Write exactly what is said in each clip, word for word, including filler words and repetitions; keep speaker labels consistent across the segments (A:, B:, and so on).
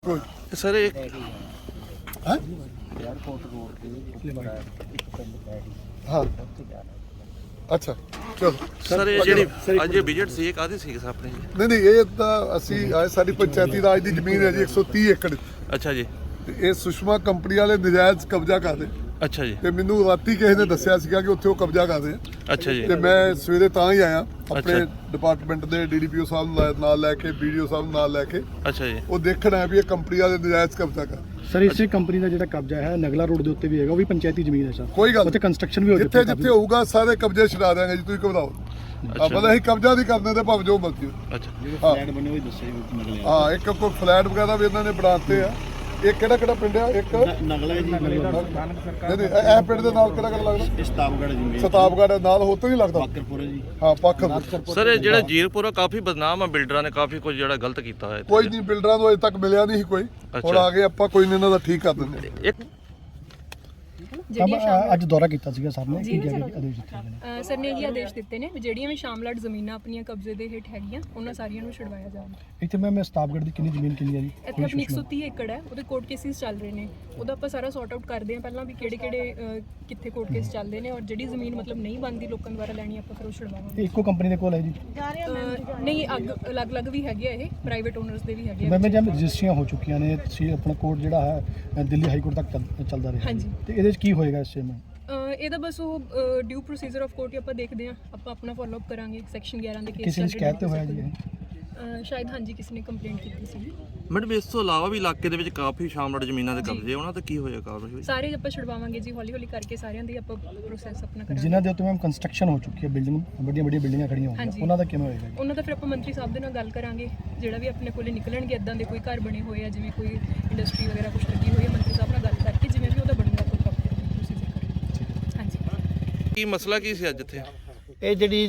A: Sir एक
B: हाँ अच्छा ਚਲੋ
A: ਸਰ ਇਹ ਜਿਹੜੀ ਅੱਜ ਇਹ ਵਿਜ਼ਿਟ ਸੀ ਇਹ ਕਾਹਦੀ ਸੀ ਆਪਣੇ ਜੀ?
B: ਨਹੀਂ ਨਹੀਂ ਇਹ ਤਾਂ ਅਸੀਂ ਆਏ ਸਾਡੀ ਪੰਚਾਇਤੀ ਰਾਜ ਦੀ ਜ਼ਮੀਨ ਹੈ ਜੀ ਇੱਕ ਸੌ ਤੀਹ ਏਕੜ
A: ਅੱਛਾ ਜੀ
B: ਤੇ ਇਹ ਸੁਸ਼ਮਾ ਕੰਪਨੀ ਵਾਲੇ ਨਜਾਇਜ਼ ਕਬਜ਼ਾ ਕਰਦੇ
A: ਅੱਛਾ ਜੀ
B: ਤੇ ਮੈਨੂੰ ਰਾਤੀ ਕਿਸੇ ਨੇ ਦੱਸਿਆ ਸੀਗਾ ਕਿ ਉੱਥੇ ਉਹ ਕਬਜ਼ਾ ਕਰਦੇ ਆ
A: ਅੱਛਾ ਜੀ
B: ਤੇ ਮੈਂ ਸਵੇਰੇ ਤਾਂ ਹੀ ਆਇਆ ਆਪਣੇ
A: ਅੱਛਾ।
B: ਡਿਪਾਰਟਮੈਂਟ ਦੇ ਡੀਡੀਪੀਓ ਸਾਹਿਬ ਨੂੰ ਲੈ- ਨਾਲ ਲੈ ਕੇ ਵੀਡੀਓ ਸਾਹਿਬ ਨੂੰ ਨਾਲ ਲੈ ਕੇ
A: ਅੱਛਾ ਜੀ
B: ਉਹ ਦੇਖਣ ਆਇਆ ਵੀ ਇਹ ਕੰਪਨੀ ਵਾਲੇ ਨਜਾਇਜ਼ ਕਬਜ਼ਾ ਕਰ
C: ਸਰ ਇਸੇ ਕੰਪਨੀ ਦਾ ਜਿਹੜਾ ਕਬਜ਼ਾ ਹੈ ਨਗਲਾ ਰੋਡ ਦੇ ਉੱਤੇ ਵੀ ਹੈਗਾ ਉਹ ਵੀ ਪੰਚਾਇਤੀ ਜ਼ਮੀਨ ਹੈ ਸਰ
B: ਕੋਈ ਗੱਲ
C: ਉੱਥੇ ਕੰਸਟਰਕਸ਼ਨ ਵੀ ਹੋ
B: ਜਿੱਥੇ ਜਿੱਥੇ ਹੋਊਗਾ ਸਾਰੇ ਕਬਜ਼ੇ ਛਡਾ ਦਿਆਂਗੇ ਜੀ ਤੁਸੀਂ ਘਬਰਾਓ ਆ ਭਲੇ ਅਸੀਂ ਕਬਜ਼ਾ ਨਹੀਂ ਕਰਦੇ ਤੇ ਭਾਵੇਂ ਜੋ ਮਰਜ਼ੀ ਹੋਵੇ।
A: ਅੱਛਾ
C: ਫਲੈਟ ਬਣੇ ਹੋਏ ਦੱਸੇ ਨਗਲੇ
B: ਹਾਂ ਇੱਕ ਕੋਈ ਫਲੈਟ ਵਗੈਰਾ ਵੀ ਇਹਨਾਂ ਨੇ ਬਣਾਤੇ ਆ ਇਹ ਕਿਹੜਾ ਕਿਹੜਾ ਪਿੰਡ ਆ ਇੱਕ
C: ਨਗਲਾ ਜੀ
B: ਨਹੀਂ ਨਹੀਂ ਇਹ ਇਹ ਪਿੰਡ ਦੇ ਨਾਲ ਕਿਹੜਾ ਕਿਹੜਾ ਲੱਗਦਾ
C: ਸਤਾਬਗੜ ਜੀ
B: ਸਤਾਬਗੜ ਨਾਲ ਹੋ ਤੋਂ ਨਹੀਂ ਲੱਗਦਾ
C: ਬਾਕਰਪੁਰ ਜੀ
B: ਹਾਂ ਪੱਖ
A: ਸਰ ਇਹ ਜਿਹੜਾ ਜੀਰਪੁਰ ਆ ਕਾਫੀ ਬਦਨਾਮ ਆ ਬਿਲਡਰਾਂ ਨੇ ਕਾਫੀ ਕੁਝ ਜਿਹੜਾ ਗਲਤ ਕੀਤਾ ਹੋਇਆ ਇੱਥੇ।
B: ਕੋਈ ਨਹੀਂ ਬਿਲਡਰਾਂ ਨੂੰ ਅਜੇ ਤੱਕ ਮਿਲਿਆ ਨਹੀਂ ਸੀ ਕੋਈ ਹੁਣ ਆ ਗਏ ਆਪਾਂ ਕੋਈ ਨਹੀਂ ਇਹਨਾਂ ਦਾ ਠੀਕ ਕਰ ਦਿੰਦੇ
A: ਇੱਕ
C: ਅੱਜ ਦੌਰਾ ਕੀਤਾ ਸੀਗਾ ਸਰ ਨੇ ਕੀ ਕਹਿ ਕੇ ਆਦੇਸ਼ ਦਿੱਤੇ ਨੇ
D: ਸਰ ਨੇ ਇਹ ਆਦੇਸ਼ ਦਿੱਤੇ ਨੇ ਵੀ ਜਿਹੜੀਆਂ ਵੀ ਸ਼ਾਮਲਾਟ ਜ਼ਮੀਨਾਂ ਆਪਣੀਆਂ ਕਬਜ਼ੇ ਦੇ ਹੇਠ ਹੈਗੀਆਂ ਉਹਨਾਂ ਸਾਰੀਆਂ ਨੂੰ ਛੁਡਵਾਇਆ ਜਾਵੇ।
C: ਇੱਥੇ ਮੈਂ ਸਤਾਬਗੜ ਦੀ ਕਿੰਨੀ ਜ਼ਮੀਨ ਕਿੰਨੀ ਹੈ ਜੀ
D: ਇੱਥੇ ਆਪਣੀ ਇੱਕ ਸੌ ਤੀਹ ਏਕੜ ਹੈ ਉਹਦੇ ਕੋਰਟ ਕੇਸਿਸ ਚੱਲ ਰਹੇ ਨੇ ਉਹਦਾ ਆਪਾਂ ਸਾਰਾ ਸੌਰਟ ਆਊਟ ਕਰਦੇ ਹਾਂ ਪਹਿਲਾਂ ਵੀ ਕਿਹੜੇ ਕਿਹੜੇ ਕਿੱਥੇ ਕੋਰਟ ਕੇਸ ਚੱਲਦੇ ਨੇ ਔਰ ਜਿਹੜੀ ਜ਼ਮੀਨ ਮਤਲਬ ਨਹੀਂ ਬਣਦੀ ਲੋਕਾਂ ਦੁਆਰਾ ਲੈਣੀ ਆਪਾਂ ਫਿਰ ਉਹ ਛੁਡਵਾਵਾਂਗੇ।
C: ਇਹ ਇੱਕੋ ਕੰਪਨੀ ਦੇ ਕੋਲ ਹੈ ਜੀ
D: ਅਹ, ਨਹੀਂ ਅੱਗ ਅਲੱਗ-ਅਲੱਗ ਵੀ ਹੈਗੇ ਆ ਇਹ ਪ੍ਰਾਈਵੇਟ ਓਨਰਸ ਦੇ ਵੀ ਹੈਗੇ ਆ
C: ਮੈਂ ਜਿਵੇਂ ਰਜਿਸਟਰੀਆਂ ਹੋ ਚੁੱਕੀਆਂ ਨੇ ਸੀ ਆਪਣਾ ਕੋਰਟ ਜਿਹੜਾ ਹੈ ਦਿੱਲੀ ਹਾਈ ਕੋਰਟ ਤੱਕ ਚੱਲ- ਚੱਲਦਾ ਰਿਹਾ
D: ਹਾਂਜੀ।
C: ਤੇ ਇਹਦੇ ਵਿੱਚ ਕੀ ਹੋਏਗਾ ਇਸ ਵਿੱਚ
D: ਅਹ, ਇਹਦਾ ਬਸ ਉਹ ਡਿਊ ਪ੍ਰੋਸੀਜਰ ਆਫ ਕੋਰਟ ਹੀ ਆਪਾਂ ਦੇਖਦੇ ਹਾਂ ਆਪਾਂ ਆਪਣਾ ਫਾਲੋ ਅਪ ਕਰਾਂਗੇ ਸੈਕਸ਼ਨ ਗਿਆਰਾਂ ਦੇ ਕੇਸ
C: ਕਿਸੇ ਨੇ ਸ਼ਿਕਾਇਤ ਤੇ ਹੋਇਆ ਜੀ ਇਹ?
D: ਅਹ, ਸ਼ਾਇਦ ਹਾਂਜੀ ਕਿਸੇ ਨੇ ਕੰਪਲੇਂਟ ਕੀਤੀ ਸੀ।
A: ਮੈਡਮ ਇਸ ਤੋਂ ਇਲਾਵਾ ਵੀ ਇਲਾਕੇ ਦੇ ਵਿੱਚ ਕਾਫੀ ਸ਼ਾਮਲਾਟ ਜ਼ਮੀਨਾਂ ਦੇ ਕਬਜ਼ੇ ਉਹਨਾਂ ਤੇ ਕੀ ਹੋਇਆ ਕਾਰਵਾਈ?
D: ਸਾਰੇ ਆਪਾਂ ਛੁਡਵਾਵਾਂਗੇ ਜੀ ਹੌਲੀ ਹੌਲੀ ਕਰਕੇ ਸਾਰਿਆਂ ਦੀ ਆਪਾਂ ਪ੍ਰੋਸੈਸ ਆਪਣਾ ਕਰਾਂਗੇ।
C: ਜਿਨ੍ਹਾਂ ਦੇ ਉੱਤੇ ਮੈਮ ਕੰਸਟਰਕਸ਼ਨ ਹੋ ਚੁੱਕੀ ਹੈ ਬਿਲਡਿੰਗ ਵੱਡੀਆਂ ਵੱਡੀਆਂ ਬਿਲਡਿੰਗਾਂ ਖੜੀਆਂ ਹੋਈਆਂ
D: ਹਾਂਜੀ।
C: ਉਹਨਾਂ ਦਾ ਕਿਵੇਂ ਹੋਏਗਾ ਜੀ?
D: ਉਹਨਾਂ ਦਾ ਫਿਰ ਆਪਾਂ ਮੰਤਰੀ ਸਾਹਿਬ ਦੇ ਨਾਲ ਗੱਲ ਕਰਾਂਗੇ ਜਿਹੜਾ ਵੀ ਆਪਣੇ ਕੋਲੇ ਨਿਕਲਣਗੇ ਇਦਾਂ ਦੇ ਕੋਈ ਘਰ ਬਣੇ ਹੋਏ ਆ ਜਿਵੇਂ ਕੋਈ ਇੰਡਸਟਰੀ ਵਗੈਰਾ ਕੁਝ ਲੱਗੀ ਹੋਈ ਹੈ ਮੰਤਰੀ ਸਾਹਿਬ ਨਾਲ ਗੱਲ ਕਰਕੇ ਜਿਵੇਂ ਵੀ ਉਹਦਾ ਬਣੂਗਾ ਕੋਈ ਪ੍ਰੋਪਰ ਪ੍ਰੋਸੀਜਰ ਕਰਾਂਗੇ। ਹਾਂਜੀ
A: ਕੀ ਮਸਲਾ ਕੀ ਸੀ ਅੱਜ ਇੱਥੇ?
E: ਇਹ ਜਿਹੜੀ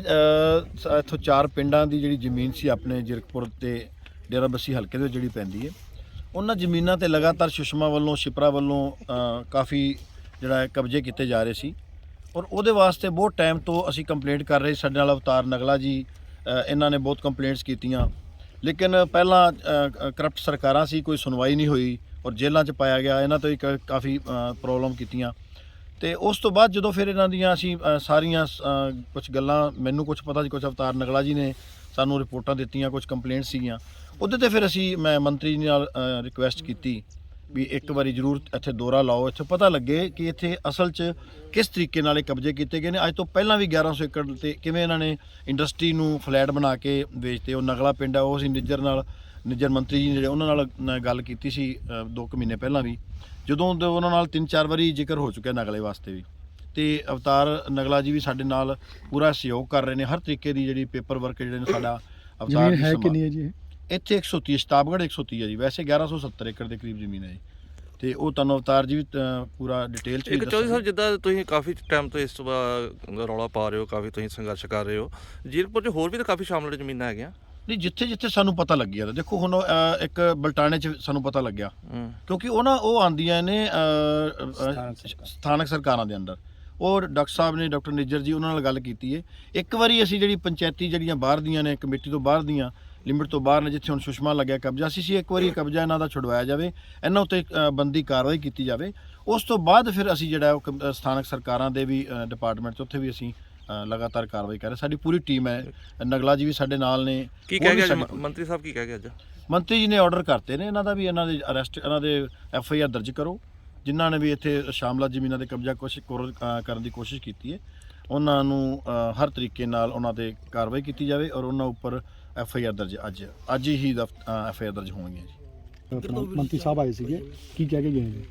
E: ਅ, ਇੱਥੋਂ ਚਾਰ ਪਿੰਡਾਂ ਦੀ ਜਿਹੜੀ ਜ਼ਮੀਨ ਸੀ ਆਪਣੇ ਜਿਰਕਪੁਰ ਤੇ ਡੇਰਾਬੱਸੀ ਹਲਕੇ ਦੇ ਵਿੱਚ ਜਿਹੜੀ ਪੈਂਦੀ ਹੈ ਉਹਨਾਂ ਜ਼ਮੀਨਾਂ ਤੇ ਲਗਾਤਾਰ ਸੁਸ਼ਮਾ ਵੱਲੋਂ ਸ਼ਿਪਰਾ ਵੱਲੋਂ ਅ, ਕਾਫੀ ਜਿਹੜਾ ਹੈ ਕਬਜ਼ੇ ਕੀਤੇ ਜਾ ਰਹੇ ਸੀ ਔਰ ਉਹਦੇ ਵਾਸਤੇ ਬਹੁਤ ਟਾਈਮ ਤੋਂ ਅਸੀਂ ਕੰਪਲੇਂਟ ਕਰ ਰਹੇ ਸਾਡੇ ਨਾਲ ਅਵਤਾਰ ਨਗਲਾ ਜੀ ਅ, ਇਹਨਾਂ ਨੇ ਬਹੁਤ ਕੰਪਲੇਂਟਸ ਕੀਤੀਆਂ ਲੇਕਿਨ ਪਹਿਲਾਂ ਕਰਪਟ ਸਰਕਾਰਾਂ ਸੀ ਕੋਈ ਸੁਣਵਾਈ ਨਹੀਂ ਹੋਈ ਔਰ ਜੇਲ੍ਹਾਂ 'ਚ ਪਾਇਆ ਗਿਆ ਇਹਨਾਂ ਤੋਂ ਹੀ ਕ- ਕਾਫੀ ਪ੍ਰੋਬਲਮ ਕੀਤੀਆਂ ਤੇ ਉਸ ਤੋਂ ਬਾਅਦ ਜਦੋਂ ਫਿਰ ਇਹਨਾਂ ਦੀਆਂ ਅਸੀਂ ਅ, ਸਾਰੀਆਂ ਕੁਝ ਗੱਲਾਂ ਮੈਨੂੰ ਕੁਝ ਪਤਾ ਸੀ ਕੁਝ ਅਵਤਾਰ ਨਗਲਾ ਜੀ ਨੇ ਸਾਨੂੰ ਰਿਪੋਰਟਾਂ ਦਿੱਤੀਆਂ ਕੁਝ ਕੰਪਲੇਂਟ ਸੀਗੀਆਂ ਉਹਦੇ ਤੇ ਫਿਰ ਅਸੀਂ ਮੈਂ ਮੰਤਰੀ ਜੀ ਨਾਲ ਰਿਕੁਐਸਟ ਕੀਤੀ ਵੀ ਇੱਕ ਵਾਰੀ ਜ਼ਰੂਰ ਇੱਥੇ ਦੌਰਾ ਲਾਓ ਇੱਥੇ ਪਤਾ ਲੱਗੇ ਕਿ ਇੱਥੇ ਅਸਲ 'ਚ ਕਿਸ ਤਰੀਕੇ ਨਾਲ ਇਹ ਕਬਜ਼ੇ ਕੀਤੇ ਗਏ ਨੇ ਅੱਜ ਤੋਂ ਪਹਿਲਾਂ ਵੀ ਗਿਆਰਾਂ ਸੌ ਏਕੜ ਤੇ ਕਿਵੇਂ ਇਹਨਾਂ ਨੇ ਇੰਡਸਟਰੀ ਨੂੰ ਫਲੈਟ ਬਣਾ ਕੇ ਵੇਚਤੇ ਉਹ ਨਗਲਾ ਪਿੰਡ ਆ ਉਹ ਅਸੀਂ ਨਿੱਜਰ ਨਾਲ ਨਿੱਜਰ ਮੰਤਰੀ ਜੀ ਜਿਹੜੇ ਉਹਨਾਂ ਨਾਲ ਨ- ਗੱਲ ਕੀਤੀ ਸੀ ਅ, ਦੋ ਕੁ ਮਹੀਨੇ ਪਹਿਲਾਂ ਵੀ ਜਦੋਂ ਦੇ ਉਹਨਾਂ ਨਾਲ ਤਿੰਨ ਚਾਰ ਵਾਰੀ ਜ਼ਿਕਰ ਹੋ ਚੁੱਕਿਆ ਨਗਲੇ ਵਾਸਤੇ ਵੀ ਤੇ ਅਵਤਾਰ ਨਗਲਾ ਜੀ ਵੀ ਸਾਡੇ ਨਾਲ ਪੂਰਾ ਸਹਿਯੋਗ ਕਰ ਰਹੇ ਨੇ ਹਰ ਤਰੀਕੇ ਦੀ ਜਿਹੜੀ ਪੇਪਰ ਵਰਕ ਜਿਹੜੇ ਨੇ ਸਾਡਾ ਅਵਤਾਰ
C: ਜ਼ਮੀਨ
E: ਜੀ
C: ਹੈ
E: ਸੰਭਾਲ-
C: ਕਿੰਨੀ ਹੈ ਜੀ ਇਹ?
E: ਇੱਥੇ ਇੱਕ ਸੌ ਤੀਹ ਸਤਾਬਗੜ ਇੱਕ ਸੌ ਤੀਹ ਹੈ ਜੀ ਵੈਸੇ ਗਿਆਰਾਂ ਸੌ ਸੱਤਰ ਏਕੜ ਦੇ ਕਰੀਬ ਜ਼ਮੀਨ ਹੈ ਜੀ ਤੇ ਉਹ ਤੁਹਾਨੂੰ ਅਵਤਾਰ ਜੀ ਵੀ ਅ, ਪੂਰਾ ਡਿਟੇਲ ਚ ਵੀ
A: ਇੱਕ ਚੌਧਰੀ
E: ਦੱਸਣਗੇ।
A: ਸਾਹਿਬ ਜਿੱਦਾਂ ਤੁਸੀਂ ਕਾਫੀ ਟਾਈਮ ਤੋਂ ਇਸ ਤੋਂ ਬਾਅਦ ਰੌਲਾ ਪਾ ਰਹੇ ਹੋ ਕਾਫੀ ਤੁਸੀਂ ਸੰਘਰਸ਼ ਕਰ ਰਹੇ ਹੋ ਜੀਰਪੁਰ 'ਚ ਹੋਰ ਵੀ ਤਾਂ ਕਾਫੀ ਸ਼ਾਮਲਾਟ ਜ਼ਮੀਨਾਂ ਹੈਗੀਆਂ।
E: ਨਹੀਂ ਜਿੱਥੇ ਜਿੱਥੇ ਸਾਨੂੰ ਪਤਾ ਲੱਗਿਆ ਤਾਂ ਦੇਖੋ ਹੁਣ ਅ, ਇੱਕ ਬਲਟਾਣੇ ਚ ਸਾਨੂੰ ਪਤਾ ਲੱਗਿਆ
A: ਹੂੰ
E: ਕਿਉਂਕਿ ਉਹ ਨਾ ਉਹ ਆਂਦੀਆਂ ਨੇ ਅ, ਅ, ਸਥਾਨਕ ਸਰਕਾਰਾਂ ਦੇ ਅੰਦਰ ਉਹ ਡਾਕਟਰ ਸਾਹਿਬ ਨੇ ਡਾਕਟਰ ਨਿੱਜਰ ਜੀ ਉਹਨਾਂ ਨਾਲ ਗੱਲ ਕੀਤੀ ਹੈ ਇੱਕ ਵਾਰੀ ਅਸੀਂ ਜਿਹੜੀ ਪੰਚਾਇਤੀ ਜਿਹੜੀਆਂ ਬਾਹਰ ਦੀਆਂ ਨੇ ਕਮੇਟੀ ਤੋਂ ਬਾਹਰ ਦੀਆਂ ਲਿਮਿਟ ਤੋਂ ਬਾਹਰ ਨੇ ਜਿੱਥੇ ਹੁਣ ਸੁਸ਼ਮਾ ਲੱਗਿਆ ਕਬਜ਼ਾ ਸੀ ਸੀ ਇੱਕ ਵਾਰੀ ਕਬਜ਼ਾ ਇਹਨਾਂ ਦਾ ਛੁਡਵਾਇਆ ਜਾਵੇ ਇਹਨਾਂ ਉੱਤੇ ਅ, ਬੰਦੀ ਕਾਰਵਾਈ ਕੀਤੀ ਜਾਵੇ ਉਸ ਤੋਂ ਬਾਅਦ ਫਿਰ ਅਸੀਂ ਜਿਹੜਾ ਉਹ ਕਮ- ਅ, ਸਥਾਨਕ ਸਰਕਾਰਾਂ ਦੇ ਵੀ ਡਿਪਾਰਟਮੈਂਟ 'ਚ ਉੱਥੇ ਵੀ ਅਸੀਂ ਅ, ਲਗਾਤਾਰ ਕਾਰਵਾਈ ਕਰ ਰਹੇ ਸਾਡੀ ਪੂਰੀ ਟੀਮ ਹੈ ਨਗਲਾ ਜੀ ਵੀ ਸਾਡੇ ਨਾਲ ਨੇ
A: ਕੀ
E: ਹੋਰ
A: ਕਹਿ
E: ਵੀ
A: ਗਿਆ
E: ਸਾਡੇ-
A: ਅੱਜ? ਮੰਤਰੀ ਸਾਹਿਬ ਕੀ ਕਹਿ ਗਿਆ ਅੱਜ?
E: ਮੰਤਰੀ ਜੀ ਨੇ ਆਰਡਰ ਕਰਤੇ ਨੇ ਇਹਨਾਂ ਦਾ ਵੀ ਇਹਨਾਂ ਦੇ ਅਰੈਸਟ ਇਹਨਾਂ ਦੇ ਐਫ ਆਈ ਆਰ ਦਰਜ ਕਰੋ ਜਿਨ੍ਹਾਂ ਨੇ ਵੀ ਇੱਥੇ ਸ਼ਾਮਲਾ ਜ਼ਮੀਨਾਂ ਤੇ ਕਬਜ਼ਾ ਕੋਸ਼ਿਸ਼ ਕਰੋ- ਅ, ਕਰਨ ਦੀ ਕੋਸ਼ਿਸ਼ ਕੀਤੀ ਹੈ ਉਹਨਾਂ ਨੂੰ ਅ, ਹਰ ਤਰੀਕੇ ਨਾਲ ਉਹਨਾਂ ਤੇ ਕਾਰਵਾਈ ਕੀਤੀ ਜਾਵੇ ਔਰ ਉਹਨਾਂ ਉੱਪਰ ਐਫ ਆਈ ਆਰ ਦਰਜ ਅੱਜ ਅੱਜ ਹੀ ਐਫ ਆਈ ਆਰ ਦਰਜ ਹੋਣਗੀਆਂ ਜੀ
C: ਆਪਣਾ ਮੰਤਰੀ ਸਾਹਿਬ ਆਏ ਸੀਗੇ ਕੀ ਕਹਿ ਕੇ ਗਏ ਜੀ?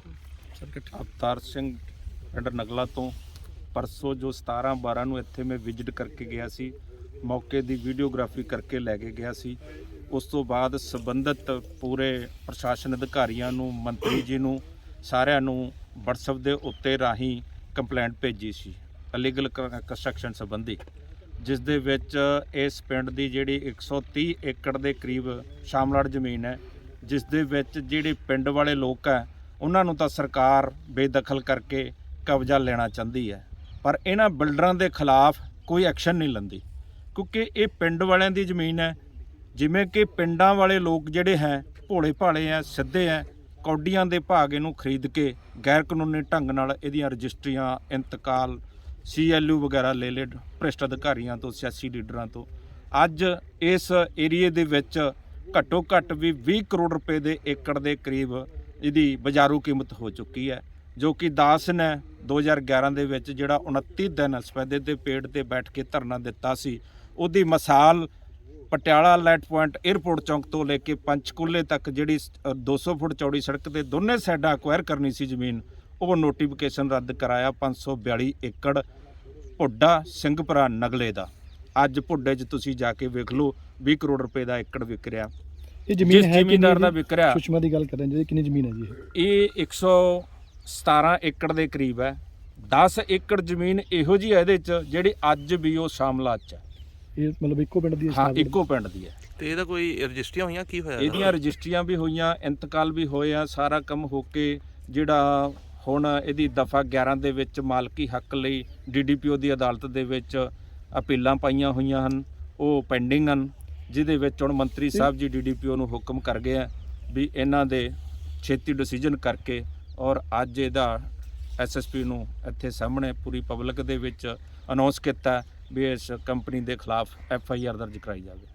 F: ਅਵਤਾਰ ਸਿੰਘ ਪਿੰਡ ਨਗਲਾ ਤੋਂ ਪਰਸੋਂ ਜੋ ਸਤਾਰਾਂ ਬਾਰਾਂ ਨੂੰ ਇੱਥੇ ਮੈਂ ਵਿਜ਼ਿਟ ਕਰਕੇ ਗਿਆ ਸੀ ਮੌਕੇ ਦੀ ਵੀਡੀਓਗ੍ਰਾਫੀ ਕਰਕੇ ਲੈ ਕੇ ਗਿਆ ਸੀ ਉਸ ਤੋਂ ਬਾਅਦ ਸੰਬੰਧਿਤ ਪੂਰੇ ਪ੍ਰਸ਼ਾਸਨ ਅਧਿਕਾਰੀਆਂ ਨੂੰ ਮੰਤਰੀ ਜੀ ਨੂੰ ਸਾਰਿਆਂ ਨੂੰ WhatsApp ਦੇ ਉੱਤੇ ਰਾਹੀਂ ਕੰਪਲੇਂਟ ਭੇਜੀ ਸੀ ਇਲੀਗਲ ਕੰਸਟਰਕਸ਼ਨ ਸੰਬੰਧੀ ਜਿਸ ਦੇ ਵਿੱਚ ਇਸ ਪਿੰਡ ਦੀ ਜਿਹੜੀ ਇੱਕ ਸੌ ਤੀਹ ਏਕੜ ਦੇ ਕਰੀਬ ਸ਼ਾਮਲਾਟ ਜ਼ਮੀਨ ਹੈ ਜਿਸ ਦੇ ਵਿੱਚ ਜਿਹੜੇ ਪਿੰਡ ਵਾਲੇ ਲੋਕ ਹੈ ਉਹਨਾਂ ਨੂੰ ਤਾਂ ਸਰਕਾਰ ਬੇਦਖਲ ਕਰਕੇ ਕਬਜ਼ਾ ਲੈਣਾ ਚਾਹੁੰਦੀ ਹੈ ਪਰ ਇਹਨਾਂ ਬਿਲਡਰਾਂ ਦੇ ਖਿਲਾਫ ਕੋਈ ਐਕਸ਼ਨ ਨਹੀਂ ਲੈਂਦੀ ਕਿਉਂਕਿ ਇਹ ਪਿੰਡ ਵਾਲਿਆਂ ਦੀ ਜ਼ਮੀਨ ਹੈ ਜਿਵੇਂ ਕਿ ਪਿੰਡਾਂ ਵਾਲੇ ਲੋਕ ਜਿਹੜੇ ਹੈ ਭੋਲੇ ਭਾਲੇ ਆ, ਸਿੱਧੇ ਆ, ਕੌਡੀਆਂ ਦੇ ਭਾਗ ਇਹਨੂੰ ਖਰੀਦ ਕੇ ਗੈਰ ਕਾਨੂੰਨੀ ਢੰਗ ਨਾਲ ਇਹਦੀਆਂ ਰਜਿਸਟਰੀਆਂ, ਇੰਤਕਾਲ, ਸੀ ਐਲ ਯੂ ਵਗੈਰਾ ਲੈ ਲਏ ਭ੍ਰਿਸ਼ਟ ਅਧਿਕਾਰੀਆਂ ਤੋਂ, ਸਿਆਸੀ ਲੀਡਰਾਂ ਤੋਂ। ਅੱਜ ਇਸ ਏਰੀਏ ਦੇ ਵਿੱਚ ਘੱਟੋ ਘੱਟ ਵੀ ਵੀਹ ਕਰੋੜ ਰੁਪਏ ਦੇ ਏਕੜ ਦੇ ਕਰੀਬ ਇਹਦੀ ਬਾਜ਼ਾਰੂ ਕੀਮਤ ਹੋ ਚੁੱਕੀ ਹੈ, ਜੋ ਕਿ ਦਾਸ ਨੇ ਦੋ ਹਜ਼ਾਰ ਗਿਆਰਾਂ ਦੇ ਵਿੱਚ ਜਿਹੜਾ ਉਨੱਤੀ ਦਿਨ ਸਫੈਦੇ ਦੇ ਪੇੜ ਤੇ ਬੈਠ ਕੇ ਧਰਨਾ ਦਿੱਤਾ ਸੀ, ਉਹਦੀ ਮਿਸਾਲ ਪਟਿਆਲਾ ਲਾਈਟ ਪੁਆਇੰਟ 에ਅਰਪੋਰਟ ਚੌਂਕ ਤੋਂ ਲੈ ਕੇ ਪੰਚਕੂਲੇ ਤੱਕ ਜਿਹੜੀ ਦੋ ਸੌ ਫੁੱਟ ਚੌੜੀ ਸੜਕ ਦੇ ਦੋਨੇ ਸਾਈਡਾਂ ਅਕਵਾਇਰ ਕਰਨੀ ਸੀ ਜ਼ਮੀਨ, ਉਹ ਨੋਟੀਫਿਕੇਸ਼ਨ ਰੱਦ ਕਰਾਇਆ ਪੰਜ ਸੌ ਬਿਆਲੀ ਏਕੜ ਭੁੱਡਾ ਸਿੰਘਪੁਰਾ ਨਗਲੇ ਦਾ। ਅੱਜ ਭੁੱਡੇ 'ਚ ਤੁਸੀਂ ਜਾ ਕੇ ਵੇਖ ਲਓ ਵੀਹ ਕਰੋੜ ਰੁਪਏ ਦਾ ਏਕੜ ਵਿਕ ਰਿਹਾ।
C: ਇਹ ਜ਼ਮੀਨ
F: ਜਿਸ
C: ਹੈ
F: ਜ਼ਿਮੀਂਦਾਰ ਦਾ ਵਿਕ ਰਿਹਾ,
C: ਸੁਸ਼ਮਾ ਦੀ ਗੱਲ ਕਰ ਰਹੇ ਜੀ, ਕਿੰਨੀ ਜ਼ਮੀਨ ਹੈ ਜੀ ਇਹ?
F: ਇਹ ਇੱਕ ਸੌ ਸਤਾਰਾਂ ਏਕੜ ਦੇ ਕਰੀਬ ਹੈ। ਦਸ ਏਕੜ ਜ਼ਮੀਨ ਇਹੋ ਜਿਹੀ ਹੈ ਇਹਦੇ 'ਚ ਜਿਹੜੀ ਅੱਜ ਵੀ ਉਹ ਸ਼ਾਮਲਾਤ 'ਚ ਹੈ।
C: ਇਹ ਮਤਲਬ ਇੱਕੋ ਪਿੰਡ ਦੀ ਹੈ?
F: ਹਾਂ,
C: ਸਾਰਾ ਪਿੰਡ?
F: ਇੱਕੋ ਪਿੰਡ ਦੀ ਹੈ।
A: ਤੇ ਇਹਦਾ ਕੋਈ ਰਜਿਸਟਰੀਆਂ ਹੋਈਆਂ, ਕੀ ਹੋਇਆ
F: ਇਹਦੀਆਂ ਰਜਿਸਟਰੀਆਂ ਵੀ ਹੋਈਆਂ, ਇੰਤਕਾਲ ਵੀ ਹੋਏ ਆ, ਸਾਰਾ ਕੰਮ ਹੋ ਕੇ ਜਿਹੜਾ ਹੁਣ ਇਹਦੀ ਦਫਾ ਗਿਆਰਾਂ ਦੇ ਵਿੱਚ ਮਾਲਕੀ ਹੱਕ ਲਈ ਡੀ ਡੀ ਪੀ ਓ ਦੀ ਅਦਾਲਤ ਦੇ ਵਿੱਚ ਅਪੀਲਾਂ ਪਾਈਆਂ ਹੋਈਆਂ ਹਨ, ਉਹ ਪੈਂਡਿੰਗ ਹਨ, ਜਿਹਦੇ ਵਿੱਚ ਹੁਣ ਮੰਤਰੀ ਸਾਹਿਬ ਜੀ ਡੀ ਡੀ ਪੀ ਓ ਨੂੰ ਹੁਕਮ ਕਰ ਗਏ ਆ ਵੀ ਇਹਨਾਂ ਦੇ ਛੇਤੀ ਡਿਸੀਜਨ ਕਰਕੇ, ਔਰ ਅੱਜ ਇਹਦਾ ਐਸ ਐਸ ਪੀ ਨੂੰ ਇੱਥੇ ਸਾਹਮਣੇ ਪੂਰੀ ਪਬਲਿਕ ਦੇ ਵਿੱਚ ਅਨਾਉਂਸ ਕੀਤਾ ਵੀ ਇਸ ਕੰਪਨੀ ਦੇ ਖਿਲਾਫ ਐਫ ਆਈ ਆਰ ਦਰਜ ਕਰਾਈ ਜਾਵੇ।